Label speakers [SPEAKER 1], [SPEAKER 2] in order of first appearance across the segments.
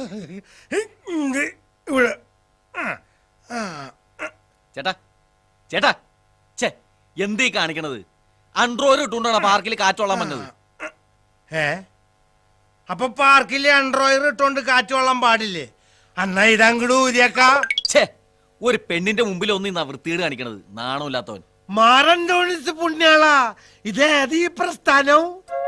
[SPEAKER 1] ചേട്ടാ ചേട്ടാ ചേ എന്തീ കാണിക്കണത്? അൺട്രോയിൽ ഇട്ടുകൊണ്ടാണ് പാർക്കിൽ കാറ്റോളാൻ വന്നത്.
[SPEAKER 2] അപ്പൊ പാർക്കിൽ അൺട്രോയിൽ ഇട്ടോണ്ട് കാറ്റോളാൻ പാടില്ലേ? അന്നാ ഇതങ്ങട് ഊരിയേക്കാ.
[SPEAKER 1] ഛേ, ഒരു പെണ്ണിന്റെ മുമ്പിൽ ഒന്നും വൃത്തികേട് കാണിക്കണത്. നാണമില്ലാത്തവൻ.
[SPEAKER 2] മാറന്തോണിസ് പുണ്യാളാ, ഇതേത് ഈ പ്രസ്ഥാനം?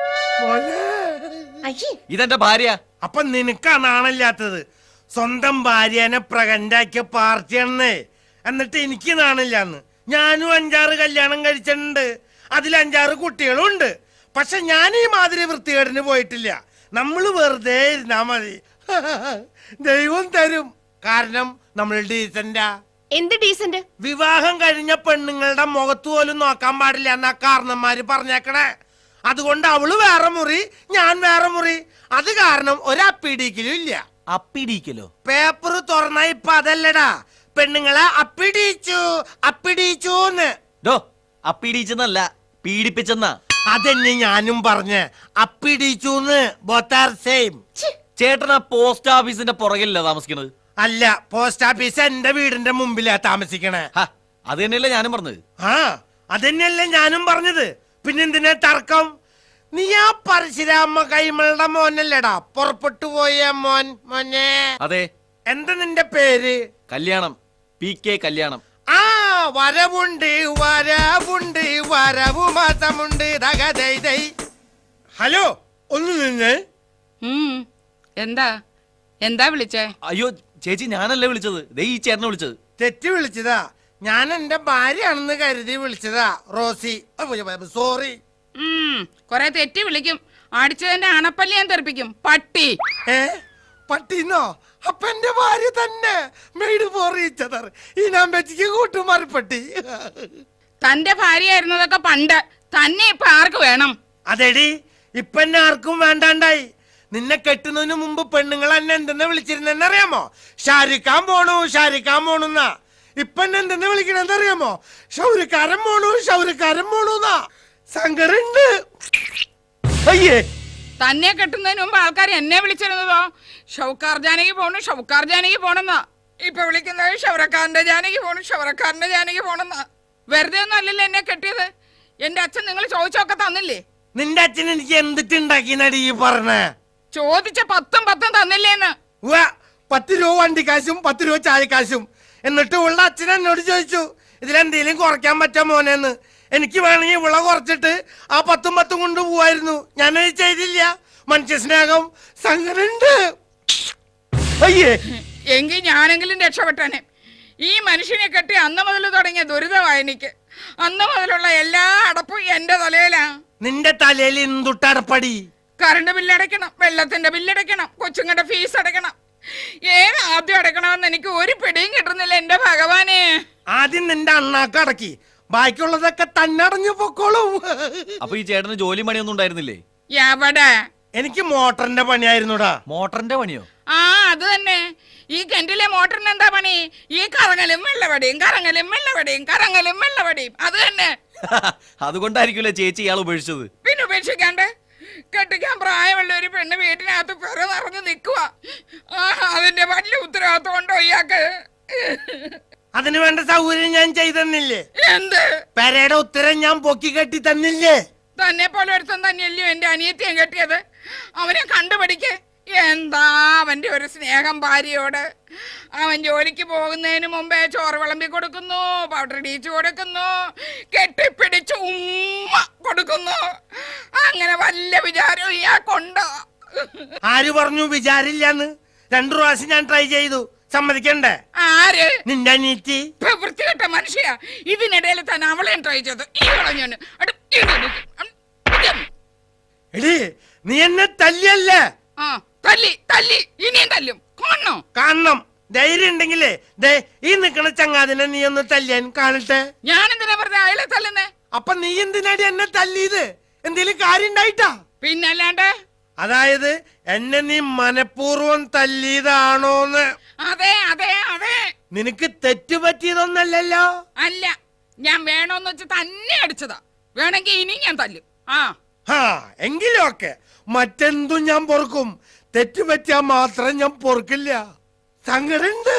[SPEAKER 1] ഇതെന്റെ ഭാര്യ.
[SPEAKER 2] അപ്പൊ നിനക്കാ നാണില്ലാത്തത്? സ്വന്തം ഭാര്യനെ പ്രകണ്ടാക്കിയ പാർട്ടിയാണെന്നേ. എന്നിട്ട് എനിക്ക് നാണില്ലാന്ന്. ഞാനും 5-6 കല്യാണം കഴിച്ചിട്ടുണ്ട്. അതിൽ 5-6 കുട്ടികളും ഉണ്ട്. പക്ഷെ ഞാൻ ഈ മാതിരി വൃത്തികേടിന് പോയിട്ടില്ല. നമ്മള് വെറുതെ ഇരുന്നാ മതി, ദൈവം തരും. കാരണം നമ്മൾ ഡീസന്റാ.
[SPEAKER 3] എന്ത് ഡീസന്റ്?
[SPEAKER 2] വിവാഹം കഴിഞ്ഞ പെണ്ണുങ്ങളുടെ മുഖത്ത് പോലും നോക്കാൻ പാടില്ല എന്നാ കാരണന്മാര് പറഞ്ഞേക്കണേ. അതുകൊണ്ട് അവള് വേറെ മുറി, ഞാൻ വേറെ മുറി. അത് കാരണം ഒരപ്പിടിക്കലും ഇല്ല.
[SPEAKER 1] അപ്പിടിക്കലോ?
[SPEAKER 2] പേപ്പർ തുറന്ന ഇപ്പൊ അതല്ലടാ, പെണ്ണുങ്ങളെ അപ്പിടിച്ചു അപ്പിടിച്ചൂന്ന്.
[SPEAKER 1] അപ്പിടിച്ചെന്നല്ല, പീഡിപ്പിച്ചെന്നാ.
[SPEAKER 2] അതെന്നെ ഞാനും പറഞ്ഞ്, അപ്പിടിച്ചൂന്ന്. Both are same.
[SPEAKER 1] ചേട്ടനാ പോസ്റ്റ് ഓഫീസിന്റെ പുറകിലല്ല താമസിക്കണത്?
[SPEAKER 2] അല്ല, പോസ്റ്റ് ഓഫീസ് എന്റെ വീടിന്റെ മുമ്പിലാ താമസിക്കണേ.
[SPEAKER 1] അത് തന്നെയല്ലേ ഞാനും പറഞ്ഞത്.
[SPEAKER 2] അതന്നെയല്ലേ ഞാനും പറഞ്ഞത്. പിന്നെന്തിനാ തർക്കം? നീ ആ പരശുരാമ കൈമളുടെ മോനല്ലേടാ പുറപ്പെട്ടു പോയ മോൻ? മോനെ.
[SPEAKER 1] അതെ.
[SPEAKER 2] എന്താ നിന്റെ പേര്?
[SPEAKER 1] കല്യാണം. PK കല്യാണം.
[SPEAKER 2] വരവുണ്ട് വരവുണ്ട് വരവു മാസമുണ്ട്. ഹലോ, ഒന്ന് നിന്ന്.
[SPEAKER 4] എന്താ എന്താ വിളിച്ചേ?
[SPEAKER 1] അയ്യോ ചേച്ചി, ഞാനല്ലേ വിളിച്ചത്. ദേ ഈ ചേട്ടനെ വിളിച്ചത്.
[SPEAKER 2] തെറ്റി വിളിച്ചതാ. ഞാൻ എന്റെ ഭാര്യയാണെന്ന് കരുതി വിളിച്ചതാ. Rosie, sorry.
[SPEAKER 4] കൊറേ തെറ്റി വിളിക്കും. അടിച്ചതിന്റെ അണപ്പല്ലി ഞാൻ തെറിപ്പിക്കും. പട്ടി.
[SPEAKER 2] പട്ടിന്നോ? അപ്പൊ എന്റെ ഭാര്യ തന്നെ. Made for each other. ഈ നമ്പറ്റിക്ക് കൂട്ടുമാറിപ്പട്ടി.
[SPEAKER 4] തന്റെ ഭാര്യയായിരുന്നതൊക്കെ പണ്ട്. തന്നെ ഇപ്പൊ ആർക്ക് വേണം?
[SPEAKER 2] അതെടി, ഇപ്പൊ എന്നെ ആർക്കും വേണ്ടാണ്ടായി. നിന്നെ കെട്ടുന്നതിന് മുമ്പ് പെണ്ണുങ്ങൾ എന്നെ എന്തെന്ന് വിളിച്ചിരുന്നെന്നറിയാമോ? ഷാരിക്കാൻ പോണു ഷാരിക്കാൻ പോണുന്നാ. ഇപ്പൊ എന്നെ എന്തെന്ന് വിളിക്കണെന്നറിയാമോ? ഷൗരിക്കാരൻ പോണു ഷൗരിക്കാരൻ പോണുന്നാ. സങ്കരുണ്ട്. അയ്യേ,
[SPEAKER 4] തന്നെ കെട്ടുന്നതിന് മുമ്പ് ആൾക്കാർ എന്നെ വിളിച്ചിരുന്നതോ ഷൗക്കാർ ജാനകി പോണു ഷൗക്കാർ ജാനകി പോണെന്നാ. ഇപ്പൊ വിളിക്കുന്നത് ഷൗറക്കാരന്റെ ജാനകി പോണു ഷൗറക്കാരന്റെ ജാനകി പോണെന്നാ. വെറുതെ ഒന്നും അല്ലല്ലോ എന്നെ കെട്ടിയത്. എന്റെ അച്ഛൻ നിങ്ങൾ ചോദിച്ചൊക്കെ തന്നില്ലേ?
[SPEAKER 2] നിന്റെ അച്ഛൻ എനിക്ക് എന്തിട്ടുണ്ടാക്കി നടി പറഞ്ഞേ?
[SPEAKER 4] ചോദിച്ച 10 തന്നില്ലേന്ന്.
[SPEAKER 2] 10 രൂപ വണ്ടിക്കാശും 10 രൂപ ചായക്കാശും. എന്നിട്ട് ഉള്ള അച്ഛൻ എന്നോട് ചോദിച്ചു, ഇതിലെന്തേലും കുറയ്ക്കാൻ പറ്റാ മോനെന്ന്. എനിക്ക് വേണമെങ്കിൽ വിള കുറച്ചിട്ട് ആ 10 കൊണ്ട് പോവായിരുന്നു. ഞാനത് ചെയ്തില്ല. മനുഷ്യ സ്നേഹം സങ്കരണ്ട്. അയ്യേ,
[SPEAKER 4] എങ്കിൽ ഞാനെങ്കിലും രക്ഷപ്പെട്ടനെ. ഈ മനുഷ്യനെ കെട്ടി അന്ന് മുതൽ തുടങ്ങിയ ദുരിതമായി എനിക്ക്. അന്ന് മുതലുള്ള എല്ലാ അടപ്പും എന്റെ തലയിലാ.
[SPEAKER 2] നിന്റെ തലയിൽ എന്തുട്ടടപ്പടി?
[SPEAKER 4] കറണ്ട് ബില്ലടയ്ക്കണം, വെള്ളത്തിന്റെ ബില്ലടയ്ക്കണം, കൊച്ചുങ്ങളുടെ ഫീസ് അടയ്ക്കണം. ഏത് ആദ്യം അടയ്ക്കണമെന്ന് എനിക്ക് ഒരു പിടിയും കിട്ടുന്നില്ല എന്റെ ഭഗവാനെ.
[SPEAKER 2] ആദ്യം നിന്റെ അണ്ണാക്ക് അടക്കി, ബാക്കിയുള്ളതൊക്കെ തന്നെ അടഞ്ഞു പൊക്കോളും.
[SPEAKER 1] അപ്പൊ ഈ ചേട്ടന് ജോലി പണിയൊന്നും ഉണ്ടായിരുന്നില്ലേ?
[SPEAKER 4] എവിടെ?
[SPEAKER 2] എനിക്ക് മോട്ടറിന്റെ പണിയായിരുന്നുടാ.
[SPEAKER 1] മോട്ടറിന്റെ പണിയോ?
[SPEAKER 4] അത് തന്നെ. ഈ കിണറ്റിലെ മോട്ടറിന് എന്താ പണി? ഈ കറങ്ങലും വെള്ളവടിയും കറങ്ങലും വെള്ളവടിയും കറങ്ങലും വെള്ളവടിയും. അത് തന്നെ.
[SPEAKER 1] അതുകൊണ്ടായിരിക്കുമല്ലേ ചേച്ചി ഇയാൾ ഉപേക്ഷിച്ചത്?
[SPEAKER 4] പിന്നെ ഉപേക്ഷിക്കാണ്ട്? കെട്ടിക്കാൻ പ്രായമുള്ള ഒരു പെണ്ണ് വീട്ടിനകത്ത് പെറ നിറഞ്ഞു നിൽക്കുക. അതിന്റെ വലിയ ഉത്തരവാദിത്വം ഉണ്ടോ ഇയാൾക്ക്?
[SPEAKER 2] അതിനു വേണ്ട സൗകര്യം ഞാൻ ചെയ്തെന്നില്ലേ?
[SPEAKER 4] എന്ത്?
[SPEAKER 2] പെരയുടെ ഉത്തരം ഞാൻ പൊക്കി കെട്ടി തന്നില്ലേ?
[SPEAKER 4] തന്നെ പോലെ ഒരുത്തം തന്നെയല്ലയോ എന്റെ അനിയത്തിയും കെട്ടിയത്. അവനെ കണ്ടുപിടിക്ക്. എന്താ അവന്റെ ഒരു സ്നേഹം ഭാര്യയോട്. അവൻ ജോലിക്ക് പോകുന്നതിന് മുമ്പേ ചോറ് വിളമ്പി കൊടുക്കുന്നു, പൗഡർ ഇടിച്ചു കൊടുക്കുന്നു, കെട്ടിപ്പിടിച്ച് ഉമ്മ കൊടുക്കുന്നു. അങ്ങനെ വല്ല വിചാരവും ഇയാൾക്കുണ്ടോ?
[SPEAKER 2] ആര് പറഞ്ഞു വിചാരില്ലാന്ന്? 2 പ്രാവശ്യം ഞാൻ ട്രൈ ചെയ്തു. സമ്മതിക്കണ്ടേ?
[SPEAKER 4] ആര്?
[SPEAKER 2] നിന്റെ അനിയത്തി.
[SPEAKER 4] വൃത്തികെട്ട മനുഷ്യ. ഇതിനിടയിൽ തന്നെ അവളെയും ട്രൈ ചെയ്തു. ഈ കളഞ്ഞു.
[SPEAKER 2] എടീ, നീ എന്നെ തല്ലിയല്ലേ?
[SPEAKER 4] തല്ലി തല്ലി ഇനിയും തല്ലും.
[SPEAKER 2] കാണണം. ധൈര്യം ഉണ്ടെങ്കിലേ ദേ ഈ നിക്കണ ചങ്ങാതിനെ നീ ഒന്ന് തല്ലിയാൻ കാണട്ടെ.
[SPEAKER 4] ഞാൻ എന്തിനാ പറഞ്ഞ അയാളെ തല്ലുന്നേ?
[SPEAKER 2] അപ്പൊ നീ എന്തിനാടി എന്നെ തല്ലിയത്? എന്തേലും കാര്യം ഉണ്ടായിട്ടാ?
[SPEAKER 4] പിന്നല്ലാണ്ട്.
[SPEAKER 2] അതായത് എന്നെ നീ മനഃപൂർവ്വം തല്ലിയതാണോന്ന്?
[SPEAKER 4] അതെ അതെ അതെ.
[SPEAKER 2] നിനക്ക് തെറ്റ് പറ്റിയതൊന്നല്ലല്ലോ?
[SPEAKER 4] അല്ല, ഞാൻ വേണോന്ന് വെച്ച് തന്നെ അടിച്ചതാ. വേണമെങ്കിൽ ഇനി ഞാൻ തല്ലും.
[SPEAKER 2] എങ്കിലും ഒക്കെ മറ്റെന്തും ഞാൻ പൊറുക്കും. തെറ്റ് പറ്റിയാ മാത്രം ഞാൻ പൊറുക്കില്ല. സങ്കടുണ്ട്.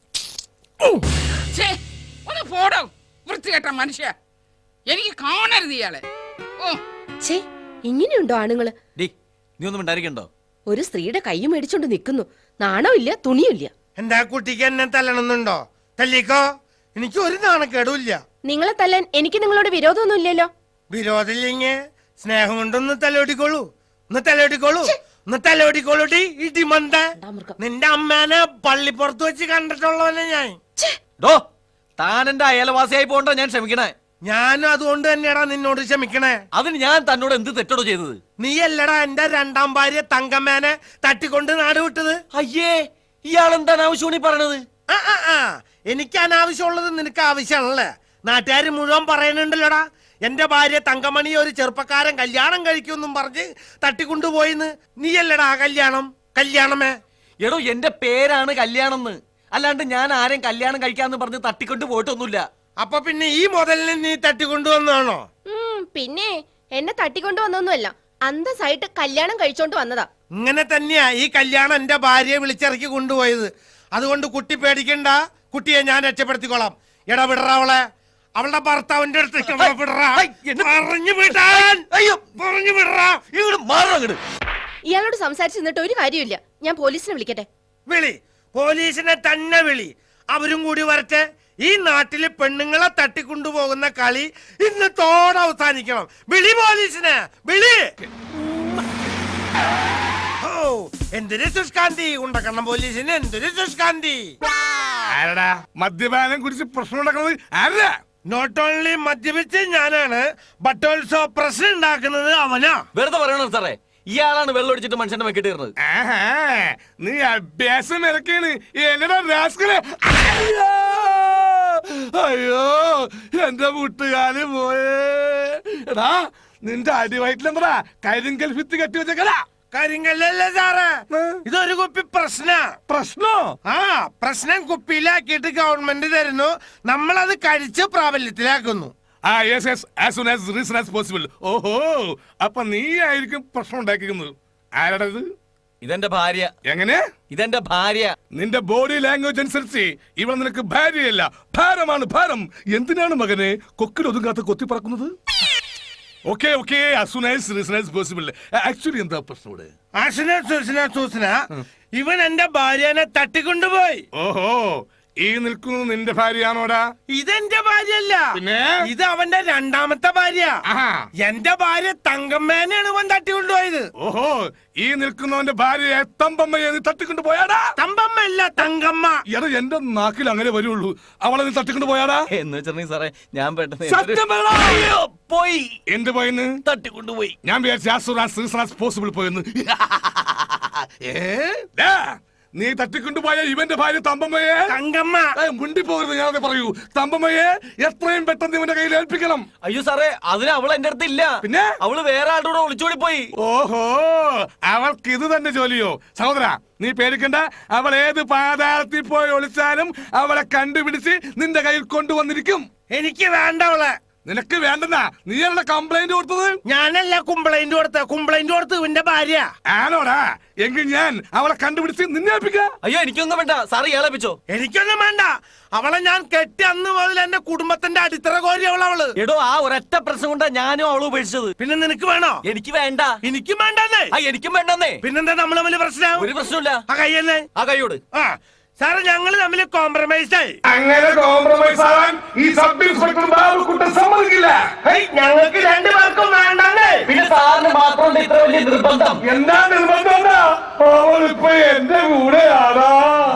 [SPEAKER 4] ഛേ, ഒന്ന് പോടോ വൃത്തികെട്ട മനുഷ്യ. എനിക്ക് കാണരുത് ഇയാളെ. ഓ
[SPEAKER 3] ഛേ, ഇങ്ങനെയുണ്ടോ ആണുങ്ങള്?
[SPEAKER 1] ഡി നീ ഒന്നും ഉണ്ടായിരിക്കണ്ടോ?
[SPEAKER 3] ഒരു സ്ത്രീയുടെ കൈ മേടിച്ചോണ്ട് നിൽക്കുന്നു. നാണമില്ല, തുണിയില്ല.
[SPEAKER 2] എന്താ കുട്ടിക്ക് എന്നെ തല്ലണമെന്നുണ്ടോ? തല്ലിക്കോ, എനിക്ക് ഒരു നാണക്കേടുമില്ല.
[SPEAKER 3] നിങ്ങളെ തല്ലാൻ എനിക്ക് നിങ്ങളോട് വിരോധമൊന്നും ഇല്ലല്ലോ.
[SPEAKER 2] വിരോധമില്ലെങ്കിൽ സ്നേഹം കൊണ്ടൊന്ന് തലോടിക്കോളൂ. ഒന്ന് തലോടിക്കോളൂ, ഒന്ന് തലോടിക്കോളൂടി. ഇടിമന്ത, നിന്റെ അമ്മേനെ പള്ളിപ്പുറത്ത് വെച്ച് കണ്ടിട്ടുള്ളവനെ ഞാൻ.
[SPEAKER 1] ഡോ താൻ എന്റെ അയലവാസിയായി പോകണ്ട ഞാൻ ക്ഷമിക്കണേ.
[SPEAKER 2] ഞാനും അതുകൊണ്ട് തന്നെയാടാ നിന്നോട് ക്ഷമിക്കണേ.
[SPEAKER 1] അതിന് ഞാൻ തന്നോട് എന്ത് തെറ്റോടോ ചെയ്തത്?
[SPEAKER 2] നീ അല്ലടാ എന്റെ രണ്ടാം ഭാര്യ തങ്കമ്മേനെ തട്ടിക്കൊണ്ട് നാട് വിട്ടത്.
[SPEAKER 1] അയ്യേ, ഇയാൾ എന്താണ് ആവശ്യമാണ് ഈ പറയണത്?
[SPEAKER 2] എനിക്ക് അനാവശ്യമുള്ളത് നിനക്ക് ആവശ്യമാണല്ലേ? നാട്ടുകാര് മുഴുവൻ പറയുന്നുണ്ടല്ലോടാ, എന്റെ ഭാര്യ തങ്കമണി ഒരു ചെറുപ്പക്കാരൻ കല്യാണം കഴിക്കുമെന്നും പറഞ്ഞ് തട്ടിക്കൊണ്ടുപോയിന്ന്. നീയല്ലടാ കല്യാണമേ.
[SPEAKER 1] എടോ എന്റെ പേരാണ് കല്യാണം, അല്ലാണ്ട് ഞാൻ ആരെയും കല്യാണം കഴിക്കാന്ന് പറഞ്ഞ് തട്ടിക്കൊണ്ട് പോയിട്ടൊന്നുമില്ല.
[SPEAKER 2] അപ്പൊ പിന്നെ ഈ മുതലിനെ നീ തട്ടിക്കൊണ്ടുവന്നാണോ?
[SPEAKER 3] പിന്നെ എന്നെ തട്ടിക്കൊണ്ടു വന്നൊന്നുമല്ല, അന്തസ്സായിട്ട് കല്യാണം കഴിച്ചോണ്ട് വന്നതാ.
[SPEAKER 2] ഇങ്ങനെ തന്നെയാ ഈ കല്യാണം എന്റെ ഭാര്യയെ വിളിച്ചിറക്കി കൊണ്ടുപോയത്. അതുകൊണ്ട് കുട്ടി പേടിക്കണ്ട, കുട്ടിയെ ഞാൻ രക്ഷപ്പെടുത്തിക്കോളാം. ഇടപെടറ അവളെ, അവളുടെ ഭർത്താവിന്റെ അടുത്തേക്ക് പറഞ്ഞു വിടാൻ. പറഞ്ഞു വിടറാ.
[SPEAKER 3] ഇയാളോട് സംസാരിച്ചിരുന്നിട്ട് ഒരു കാര്യമില്ല. ഞാൻ പോലീസിനെ വിളിക്കട്ടെ?
[SPEAKER 2] വിളി, പോലീസിനെ തന്നെ വിളി. അവരും കൂടി വരട്ടെ. ഈ നാട്ടില് പെണ്ണുങ്ങളെ തട്ടിക്കൊണ്ടുപോകുന്ന കളി ഇന്നത്തോടെ അവസാനിക്കണം. വിളി പോലീസിനെ, വിളി. ഓ എന്തൊരു സുഷ്കാന്തി, ഉണ്ടക്കണം പോലീസിന് എന്തൊരു സുഷ്കാന്തി.
[SPEAKER 5] ആരടാ മദ്യപാനം കുടിച്ച് പ്രശ്നം ഉണ്ടാക്കുന്നത്? ആരാ?
[SPEAKER 2] നോട്ട് ഓൺലി മദ്യപിച്ച് ഞാനാണ്, ബട്ട് ഓൾസോ പ്രശ്നം ഉണ്ടാക്കുന്നത് അവനാ.
[SPEAKER 1] വെറുതെ പറയണോ സാറേ? ഇയാളാണ് വെള്ളം ഒടിച്ചിട്ട് മനുഷ്യന്റെ വെക്കിട്ട് കയറുന്നത്.
[SPEAKER 5] നീ അഭ്യാസം ഇറക്കാണ് എന്നടാ രാസ്കലെ. അയ്യോ എന്റെ വീട്ടുകാര് പോയേ. എടാ നിന്റെ അടിവയറ്റിലെന്താ കരിങ്കൽ ഭിത്തി കെട്ടി വെച്ചേക്കല?
[SPEAKER 2] കാര്യങ്ങളല്ലേ സാറേ, ഇതൊരു കുപ്പി
[SPEAKER 5] പ്രശ്നോ?
[SPEAKER 2] പ്രശ്നം കുപ്പിയിലാക്കിയിട്ട് ഗവൺമെന്റ് തരുന്നു, നമ്മളത് കഴിച്ച് പ്രാബല്യത്തിലാക്കുന്നു.
[SPEAKER 5] ഓഹോ, അപ്പൊ നീ ആയിരിക്കും പ്രശ്നം ഉണ്ടാക്കിക്കുന്നത്. ആരാടാ ഇത്?
[SPEAKER 1] ഇതെന്റെ ഭാര്യ.
[SPEAKER 5] എങ്ങനെ?
[SPEAKER 1] ഇതെന്റെ ഭാര്യ.
[SPEAKER 5] നിന്റെ ബോഡി ലാംഗ്വേജ് അനുസരിച്ച് ഇവിടെ നിനക്ക് ഭാര്യയല്ല, ഭാരമാണ്, ഭാരം. എന്തിനാണ് മകനെ കൊക്കിൽ ഒതുങ്ങാത്ത കൊത്തി പറക്കുന്നത്? ആക്ച്വലി എന്താ പ്രശ്നം?
[SPEAKER 2] ഇവൻ എന്റെ ഭാര്യനെ തട്ടിക്കൊണ്ടുപോയി.
[SPEAKER 5] ഓഹോ, ഈ നിൽക്കുന്നത് നിന്റെ ഭാര്യയാണോടാ?
[SPEAKER 2] ഇതെന്റെ ഭാര്യയല്ല,
[SPEAKER 5] പിന്നെ
[SPEAKER 2] ഇത് അവന്റെ രണ്ടാമത്തെ ഭാര്യ. എന്റെ ഭാര്യ തങ്കമ്മേനെയാണ് ഇവൻ തട്ടിക്കൊണ്ടുപോയത്.
[SPEAKER 5] ഓഹോ, ഈ നിൽക്കുന്നവന്റെ ഭാര്യയെ തമ്പമ്മയെ നീ തട്ടിക്കൊണ്ടു പോയാടാ?
[SPEAKER 2] തമ്പമ്മ അല്ല, തങ്കമ്മ.
[SPEAKER 5] എടാ എന്റെ നാക്കിൽ അങ്ങനെ വരുള്ളൂ. അവളെ നീ തട്ടിക്കൊണ്ടു പോയാടാ?
[SPEAKER 1] എന്ന് വെച്ചിട്ടുണ്ടെങ്കിൽ സാറേ ഞാൻ പെട്ടെന്ന്
[SPEAKER 5] പോയി. എന്ത് പോയെന്ന്?
[SPEAKER 1] തട്ടിക്കൊണ്ടുപോയി.
[SPEAKER 5] ഞാൻ വിചാരിച്ചു പോസിബിൾ പോയെന്ന്. നീ തട്ടിക്കൊണ്ടുപോയ ഇവന്റെ ഭാര്യ തമ്പമ്മയെ,
[SPEAKER 2] തങ്കമ്മ,
[SPEAKER 5] മുണ്ടി പോകരുത്. ഞാനത് പറയൂ. തമ്പമ്മയെ എത്രയും പെട്ടെന്ന് ഇവന്റെ കയ്യിൽ ഏൽപ്പിക്കണം.
[SPEAKER 1] അയ്യോ സാറേ, അതിന് അവൾ എന്റെ അടുത്ത് ഇല്ല.
[SPEAKER 5] പിന്നെ
[SPEAKER 1] അവള് വേറെ ആളുടെ കൂടെ ഒളിച്ചോടി പോയി.
[SPEAKER 5] ഓഹോ, അവൾക്ക് ഇത് തന്നെ ജോലിയോ? സഹോദര നീ പേടിക്കണ്ട, അവൾ ഏത് പാതാളത്തിൽ പോയി ഒളിച്ചാലും അവളെ കണ്ടുപിടിച്ച് നിന്റെ കയ്യിൽ കൊണ്ടുവന്നിരിക്കും.
[SPEAKER 2] എനിക്ക് വേണ്ട അവളെ.
[SPEAKER 5] നിനക്ക് വേണ്ടെന്നാ നീയല്ല കംപ്ലൈന്റ് കൊടുത്തത്?
[SPEAKER 2] ഞാനല്ല കംപ്ലൈന്റ് കൊടുത്ത് ഇവന്റെ ഭാര്യ
[SPEAKER 5] ആണോടാ? എങ്കിൽ ഞാൻ അവളെ കണ്ടുപിടിച്ച് നിന്നെ ഏൽപ്പിക്കാം.
[SPEAKER 1] അയ്യോ എനിക്കൊന്നും വേണ്ട സാറ് ഏളപ്പിച്ചോ.
[SPEAKER 2] എനിക്കൊന്നും വേണ്ട. അവളെ ഞാൻ കെട്ടി അന്ന് മുതൽ എന്റെ കുടുംബത്തിന്റെ അടിത്തറ കോരി അവള്.
[SPEAKER 1] എടോ ആ ഒരൊറ്റ പ്രശ്നം കൊണ്ടാ ഞാനും അവള് ഉപേക്ഷിച്ചത്.
[SPEAKER 2] പിന്നെ നിനക്ക് വേണോ?
[SPEAKER 1] എനിക്ക് വേണ്ട.
[SPEAKER 2] എനിക്കും വേണ്ടെന്നേ.
[SPEAKER 1] എനിക്കും വേണ്ടെന്നേ.
[SPEAKER 2] പിന്നെന്താ നമ്മൾ തമ്മിൽ പ്രശ്നം?
[SPEAKER 1] ഒരു പ്രശ്നമില്ല.
[SPEAKER 2] ആ കയ്യെന്നെ,
[SPEAKER 1] ആ കൈയോട്.
[SPEAKER 2] സാറ് ഞങ്ങൾ തമ്മിൽ കോംപ്രമൈസ് ആയി.
[SPEAKER 5] അങ്ങനെ കോംപ്രമൈസ് ആവാൻ ഈ സബ് ഇൻസ്പെക്ടർ ബാബുക്കുട്ടൻ സമ്മതിക്കില്ല.
[SPEAKER 2] ഞങ്ങൾക്ക് രണ്ടുപേർക്കും വേണ്ടെന്നേ.
[SPEAKER 1] പിന്നെ സാറിന് മാത്രം ഇത്ര വലിയ നിർബന്ധം?
[SPEAKER 5] എന്താ നിർബന്ധം? അവളിപ്പോ എന്റെ കൂടെയാണോ?